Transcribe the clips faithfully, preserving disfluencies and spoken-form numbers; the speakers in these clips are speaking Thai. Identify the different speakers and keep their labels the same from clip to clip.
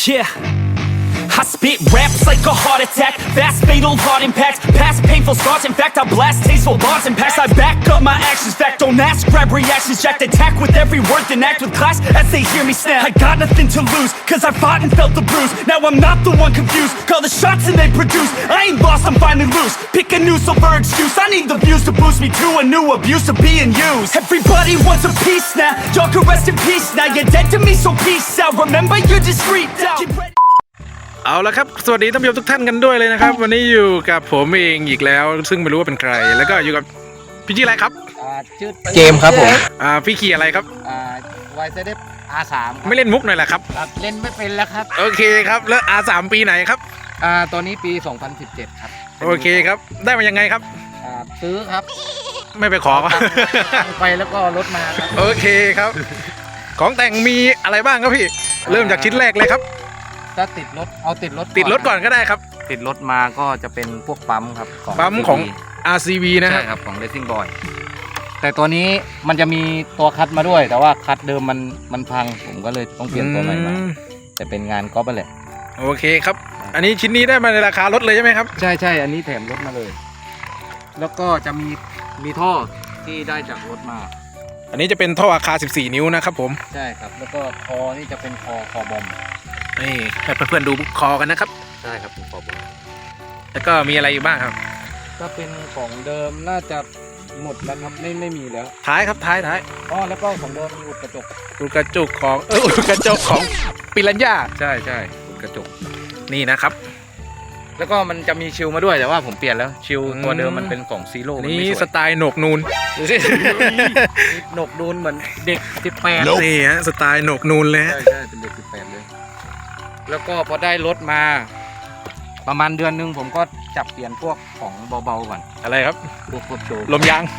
Speaker 1: Yeah. I spit raps like a heart attack, fast fatal heart impact, past painful scars, in fact I blast tasteful bars and packs. I back up my actions, fact don't ask, grab reactions, jacked attack with every word, then act with class as they hear me snap. I got nothing to lose, cause I fought and felt the bruise, now I'm not the one confused, call the shots and they produce, I ain't lost, I'm finally loose, pick a new silver excuse, I need the views to boost me to a new abuse of being used. Everybody wants a piece now, y'all can rest in peace now, you're dead to me so peace out, remember you're discreet out.
Speaker 2: เอาละครับสวัสดีท่านผู้ชมทุกท่านกันด้วยเลยนะครับวันนี้อยู่กับผมเองอีกแล้วซึ่งไม่รู้ว่าเป็นใครแล้วก็อยู่กับพี่ชื่ออะไรครับ
Speaker 3: ชื่อเกมครับผม
Speaker 2: อ่าพี่ขี่อะไรครับ
Speaker 3: อ่าวายเซเดฟ อาร์ สาม
Speaker 2: ไม่เล่นมุกหน่อยแหละครับ
Speaker 3: เล่นไม่เป็นแล้วครับ
Speaker 2: โอเคครับแล้ว อาร์ สาม ปีไหนครับ
Speaker 3: อ่าตอนนี้ปีสองพันสิบเจ็ดครับ
Speaker 2: โอเคครับได้มายังไงครับ
Speaker 3: อ่าซื้อครับ
Speaker 2: ไม่ไปขอก็
Speaker 3: ไปแล้วก็รถมาครับ
Speaker 2: โอเคครับของแต่งมีอะไรบ้างครับพี่เริ่มจากชิ้นแรกเลยครับ
Speaker 3: ถ้าติดรถเอาติดรถ
Speaker 2: ติดรถก่อนก็ได้ครับ
Speaker 3: ติดรถมาก็จะเป็นพวกปั๊มครับ
Speaker 2: ปั๊มของ อาร์ ซี วี นะ
Speaker 3: ใช่ครับของ Racing Boy แต่ตัวนี้มันจะมีตัวคัดมาด้วยแต่ว่าคัดเดิมมันมันพังผมก็เลยต้องเปลี่ยนตัวใหม่มาแต่เป็นงานก๊อปไปเลย
Speaker 2: โอเคครับอันนี้ชิ้นนี้ได้มาในราคารถเลยใช่ไหมครับ
Speaker 3: ใช่ใช่อันนี้แถมรถมาเลยแล้วก็จะมีมีท่อที่ได้จากรถมา
Speaker 2: อันนี้จะเป็นท่ออาคาสิบสี่นิ้วนะครับผม
Speaker 3: ใช่ครับแล้วก็คอนี่จะเป็นคอคอบอม
Speaker 2: นี่ให้เพื่อนๆดูคอกันนะครับ
Speaker 3: ใช่ครับเป็นคอบอม
Speaker 2: แล้วก็มีอะไรอยู่บ้างครับ
Speaker 3: ถ้าเป็นของเดิมน่าจะหมดแล้วครับไม่ไม่มีแล้ว
Speaker 2: ท้ายครับท้ายท้าย
Speaker 3: อ๋อแล้วก็ของเดิมมีอุดกระจก
Speaker 2: อุดกระจกของเอออุดกระจกของปิรันย่า
Speaker 3: ใช่ใช่อุดกระจก
Speaker 2: นี่นะครับ
Speaker 3: แล้วก็มันจะมีชิลมาด้วยแต่ว่าผมเปลี่ยนแล้วชิลตัวเดิมมันเป็นของซีโร่
Speaker 2: นี่สไตล์โหนกนูน
Speaker 3: โหนกนูนเหมือนเด็กสิบแปด
Speaker 2: นี่ฮะสไตล์โหนกนูนเลย
Speaker 3: ใช่ใช่เป็นเด็กสิบแปดเลยแล้วก็พอได้รถมาประมาณเดือนนึงผมก็จับเปลี่ยนพวกของเบาๆก่อน
Speaker 2: อะไรครับ
Speaker 3: พวกครอบโชค
Speaker 2: ลมยาง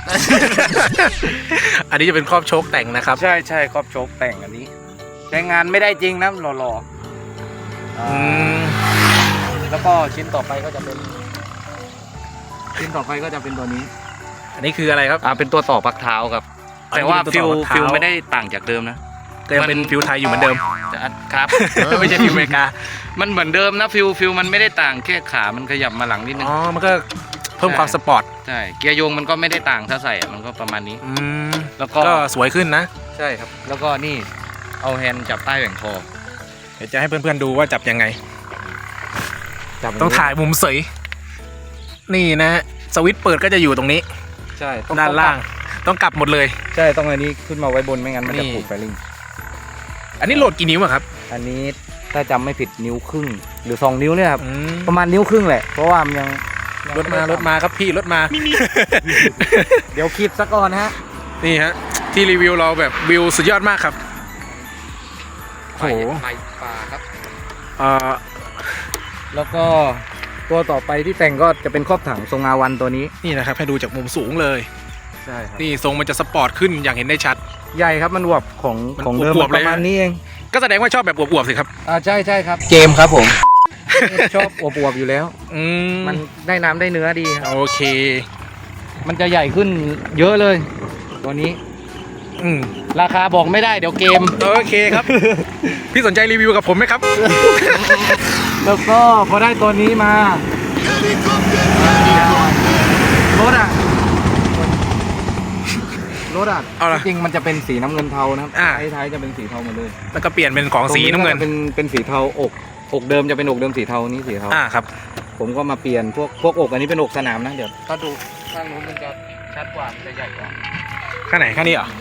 Speaker 2: อันนี้จะเป็นครอบโชคแต่งนะครับ
Speaker 3: ใช่ใช่ครอบโชคแต่งอันนี้ใช้งานไม่ได้จริงนะหล่อๆอืมแล้วก็ชิ้นต่อไปก็จะเป็นชิ้นต่อไปก็จะเป็นตัวนี้
Speaker 2: อันนี้คืออะไรครับ
Speaker 3: อ่าเป็นตัวต่อพักเท้าครับแต่ว่าฟิลฟิลไม่ได้ต่างจากเดิมนะ
Speaker 2: ก็ยังเป็นฟิลไทยอยู่เหมือนเดิม
Speaker 3: ครับ
Speaker 2: ไม่ใช่ฟิลอเมริกา
Speaker 3: มันเหมือนเดิมนะฟิลฟิลมันไม่ได้ต่างแค่ขามันขยับมาหลังนิดนึง
Speaker 2: อ๋อมันก็เพิ่มความสปอร์ต
Speaker 3: ใช่เกียร์โยงมันก็ไม่ได้ต่างถ้าใส่มันก็ประมาณนี้
Speaker 2: แล้วก็สวยขึ้นนะ
Speaker 3: ใช่ครับแล้วก็นี่เอาแฮนด์จับใต้แหว่งคอ
Speaker 2: เดี๋ยวจะให้เพื่อนๆดูว่าจับยังไงต้องถ่ายมุมสวยนี่นะสวิตช์เปิดก็จะอยู่ตรงนี้
Speaker 3: ใช่
Speaker 2: ด้านล่างต้องกลับหมดเลย
Speaker 3: ใช่ต้องอันนี้ขึ้นมาไว้บนไม่งั้นมันจะผูกไฟลิง
Speaker 2: อันนี้โหลดกี่นิ้วอะครับ
Speaker 3: อันนี้ถ้าจำไม่ผิดนิ้วครึ่งหรือสองนิ้วเนี่ยครับประมาณนิ้วครึ่งแหละเพราะว่ามันยัง
Speaker 2: รถมารถมาครับพี่รถมา
Speaker 3: เดี๋ยวคลิปซะก่อนฮะ
Speaker 2: นี่ฮะที่รีวิวเราแบบวิวสุดยอดมากครับ
Speaker 3: โอ้โหไฟป่าครับ
Speaker 2: อ่า
Speaker 3: แล้วก็ตัวต่อไปที่แต่งก็จะเป็นครอบถังทรงอาวันตัวนี้
Speaker 2: นี่นะครับให้ดูจากมุมสูงเลย
Speaker 3: ใช่ครับ
Speaker 2: นี่ทรงมันจะสปอร์ตขึ้นอย่างเห็นได้ชัด
Speaker 3: ใหญ่ครับมันอวบของของเดิมประมาณนี้เอง
Speaker 2: ก็แสดงว่าชอบแบบอวบๆสิครับ
Speaker 3: อ่าใช่ใช่ครับเกมครับผมชอบอวบๆอยู่แล้ว
Speaker 2: อืม
Speaker 3: มันได้น้ำได้เนื้อดี
Speaker 2: โอเค
Speaker 3: มันจะใหญ่ขึ้นเยอะเลยตัวนี้
Speaker 2: อืม
Speaker 3: ราคาบอกไม่ได้เดี๋ยวเกม
Speaker 2: โอเคครับพี่สนใจรีวิวกับผมไหมครับ
Speaker 3: แล้วก็พอได้ตัวนี้มารถอ่ะรถอ่ะจริงมันจะเป็นสีน้ำเงินเทานะครับท้ายๆจะเป็นสีเทาหมดเลย
Speaker 2: แล้วก็เปลี่ยนเป็นของสีน้ำเงิน
Speaker 3: เป็นเป็นสีเทาอกอกเดิมจะเป็นอกเดิมสีเทานี้สีเทา
Speaker 2: อ่าครับ
Speaker 3: ผมก็มาเปลี่ยนพวกพวกอกอันนี้เป็นอกสนามนะเดี๋ยวถ้าดูข้างนู้นมันจะชัดกว่ามันจะใหญ่กว่า
Speaker 2: ข้างไหนข้างนี้เหรอ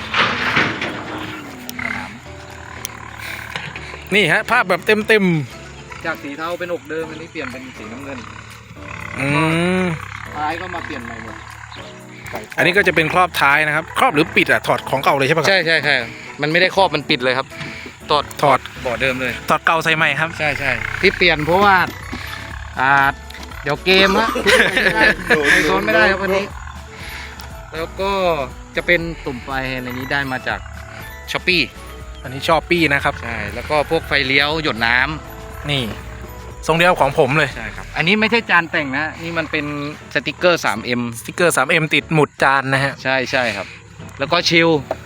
Speaker 2: นี่ฮะภาพแบบเต็มเต็ม
Speaker 3: จากสีเทาเป็นอกเดิมอันนี้เปลี่ยนเป็นสีน้ำเงิน
Speaker 2: อืม
Speaker 3: ท้ายก็มาเปลี่ยนใหม่หมด
Speaker 2: อันนี้ก็จะเป็นครอบท้ายนะครับครอบหรือปิดอะถอดของเก่าเลยใช่ปะครับ
Speaker 3: ใช่ใช่ใช่มันไม่ได้ครอบมันปิดเลยครับถอด
Speaker 2: ถอด
Speaker 3: บ่อเดิมเลย
Speaker 2: ถอดเก่าใส่ใหม่ครับ
Speaker 3: ใช่ใช่ที่เปลี่ยนเพราะว่าอ่าเดี๋ยวเกมฮะโดนไม่ได้ครับวันนี้แล้วก็จะเป็นตุ่มไฟในนี้ได้มาจากช้อปปี้
Speaker 2: อันนี้ชอบปี้นะครับ
Speaker 3: ใช่แล้วก็พวกไฟเลี้ยวหยดน้ำ
Speaker 2: นี่ทรงเดียวของผมเลย
Speaker 3: ใช่ครับอันนี้ไม่ใช่จานแต่งนะนี่มันเป็นสติกเกอร์ ทรี เอ็ม
Speaker 2: สติกเกอร์ ทรี เอ็ม ติดหมุดจานนะฮะ
Speaker 3: ใช่ใช่ครับแล้วก็ชิล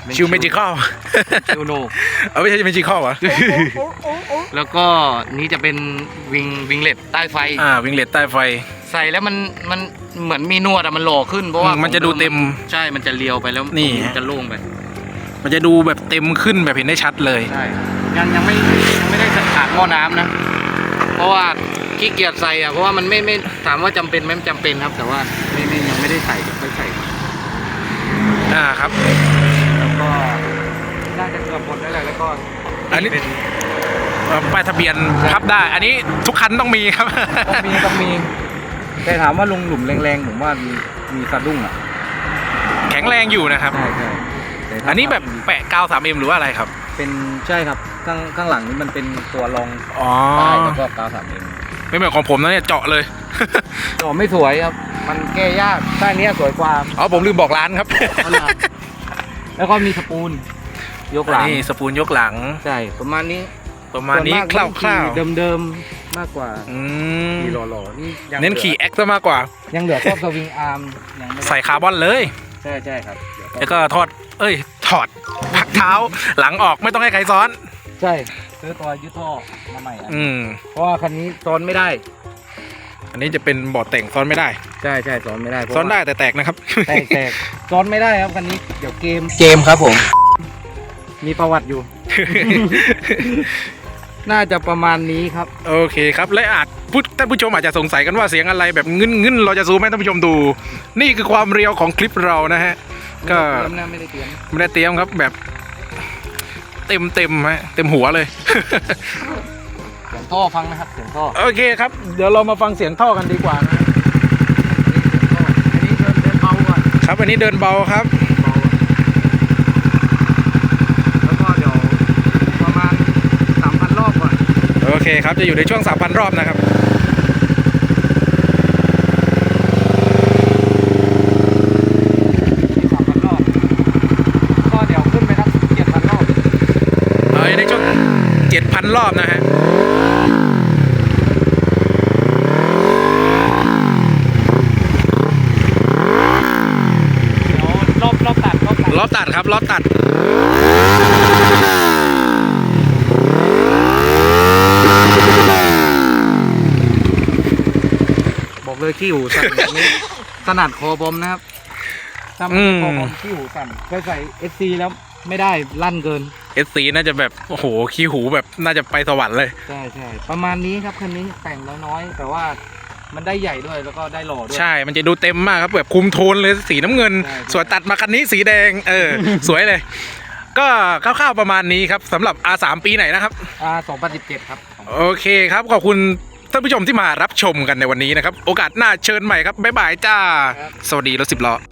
Speaker 2: ชิวเมจิคอล
Speaker 3: ชิวโน
Speaker 2: เอาไม่ใช่เมจิคอลเหรอ
Speaker 3: แล้วก็นี้จะเป็นวิงวิงเล็ตใต้ไฟ
Speaker 2: อ่าวิงเลตใต้ไฟ
Speaker 3: ใส่แล้วมันมันเหมือนมีนวดอะมันหล่อขึ้นเพราะว่า
Speaker 2: มันจะดูเต็ม
Speaker 3: ใช่มันจะเลียวไปแล้ว
Speaker 2: นี่
Speaker 3: มันจะโล่งไป
Speaker 2: มันจะดูแบบเต็มขึ้นแบบเห็นได้ชัดเลย
Speaker 3: ใช่ยังยังไม่ยังไม่ได้ใส่ขาดหม้อน้ำนะ เพราะว่าขี้เกียจใส่อะเพราะว่ามันไม่ไม่ถามว่าจำเป็นไหมมันจำเป็นครับ แต่ว่าไม่ไม่ยังไม่ได้ใส่เดี๋ยวค่อยใส่
Speaker 2: อ่าครับ
Speaker 3: แล้วก็น่าจะเกือบหมดแล้วแหละแล้วก็
Speaker 2: อันนี้
Speaker 3: เป็น
Speaker 2: เอ่อป้ายทะเบียนพับได้ อันนี้ทุกคันต้องมีครับ
Speaker 3: ต้องมีต้องมีแต่ถามว่าลงหลุมแรงๆผมว่ามีมีสะดุ้งอ่ะ
Speaker 2: แข็งแรงอยู่นะครับ
Speaker 3: ใช่ใช่แต่ถ้า
Speaker 2: อันนี้แบบแปะกาว สามเอ็ม หรือว่าอะไรครับ
Speaker 3: เป็นใช่ครับข้างข้างหลังนี้มันเป็นตัวรอง
Speaker 2: อ๋อ
Speaker 3: ใต้แล้วก็กาวสามเอ็ม
Speaker 2: ไม่เหมือนของผมนะเนี่ยเจาะเลย
Speaker 3: ต่อไม่สวยครับ มันแก้ยากใต้เนี้ยสวยกว่า
Speaker 2: อ๋อผมลืมบอกร้านครับ
Speaker 3: ขนาดแล้วก็มีสปูนยกหลัง
Speaker 2: นี่สปูนยกหลัง
Speaker 3: ใช่ประมาณนี้
Speaker 2: ประมาณนี้ค
Speaker 3: ส่วนมก
Speaker 2: ร่าว
Speaker 3: เนขี่เดิมๆมากกว่า
Speaker 2: ๆอืม
Speaker 3: ขี่หล่อๆนี่ยัง
Speaker 2: เน้นขี่
Speaker 3: หลื
Speaker 2: แอคซะมากกว่า
Speaker 3: อยังเหลือครอบสวิงอาร์มยังไม่ได้
Speaker 2: ใส่คาร์บอนเลย
Speaker 3: ใช่ใช่ครับเดี๋ยว
Speaker 2: แล้วก็ทอด เอ้ย ถอดพักเท้า หลังออกไม่ต้องให้ใครซ้อน
Speaker 3: ใช่ซื้อตัวยึดท่อมาใหม่อ่ะ
Speaker 2: อืม
Speaker 3: เพราะว่าคันนี้ซ้อนไม่ได้
Speaker 2: อันนี้จะเป็นบอร์ดแต่งซ้อนไม่ได้
Speaker 3: ใช่ใช่ซ้อนไม่ได้เพราะ
Speaker 2: ซ้อนได้
Speaker 3: ว่า
Speaker 2: แต่แตกนะครับ
Speaker 3: แตกแตกซ้อนไม่ได้ครับคันนี้เดี๋ยวเกมเกมครับผม มีประวัติอยู่ น่าจะประมาณนี้ครับ
Speaker 2: โอเคครับและอาจผู้ท่านผู้ชมอาจจะสงสัยกันว่าเสียงอะไรแบบงึนงึนๆเราจะซูมให้ท่านผู้ชมดู นี่คือความเรียวของคลิปเรานะฮะ ก็
Speaker 3: เตรียมนะไม่ได้เตรียม
Speaker 2: ไม่ได้เตรียมครับแบบเต็มเต็มๆฮะเต็มหัวเลย
Speaker 3: เสียงท่อฟังนะครับเสียงท่อ
Speaker 2: โอเคครับ เดี๋ยวเรามาฟังเสียงท่อกันดีกว่านะ
Speaker 3: อันนี้เดินเดินเบาก่อน
Speaker 2: ครับอันนี้เดินเบาครับ
Speaker 3: แล้วก็เดี๋ยวประมาณสามพันรอบก่อน
Speaker 2: โอเคครับจะอยู่ในช่วง สามพัน รอบนะครับ
Speaker 3: สามพันรอบก็เดี๋ยวขึ้นไปครับเจ็ดพันรอบ
Speaker 2: เออในช่วง เจ็ดพัน รอบนะฮะ
Speaker 3: เดี๋ยวรอบรอบตัดรอบตัด
Speaker 2: รอบตัดครับรอบตัด
Speaker 3: บอกเลยขี้หูสั่นแบบนี้ถนัดคอบอมนะครับถ้าไม่ใช่คอบอมขี้หูสั่นเคยใส่เอสซีแล้วไม่ได้ลั่นเกิน
Speaker 2: เอส ซี น่าจะแบบโอ้โหขี้หูแบบน่าจะไปสวรรค์เลย
Speaker 3: ใช่ใช่ประมาณนี้ครับคันนี้แต่งแล้วน้อย แต่ว่ามันได้ใหญ่ด้วยแล้วก็ได้หล่อด้วย
Speaker 2: ใช่ มันจะดูเต็มมากครับแบบคุมโทนเลยสีน้ำเงิน
Speaker 3: ใช่ใช่
Speaker 2: ส่วนตัดมาคันนี้สีแดง เออ สวยเลย ก็คร่าวๆประมาณนี้ครับสำหรับ อาร์ สาม ปีไหนนะครับ
Speaker 3: อ่าสองพันสิบเจ็ดครับ
Speaker 2: โอเคครับ ขอบคุณท่านผู้ชมที่มารับชมกันในวันนี้นะครับ โอกาสหน้าเชิญใหม่ครับ บ๊ายบายจ้า
Speaker 3: ครับ
Speaker 2: สวัสดีรถสิบล้อ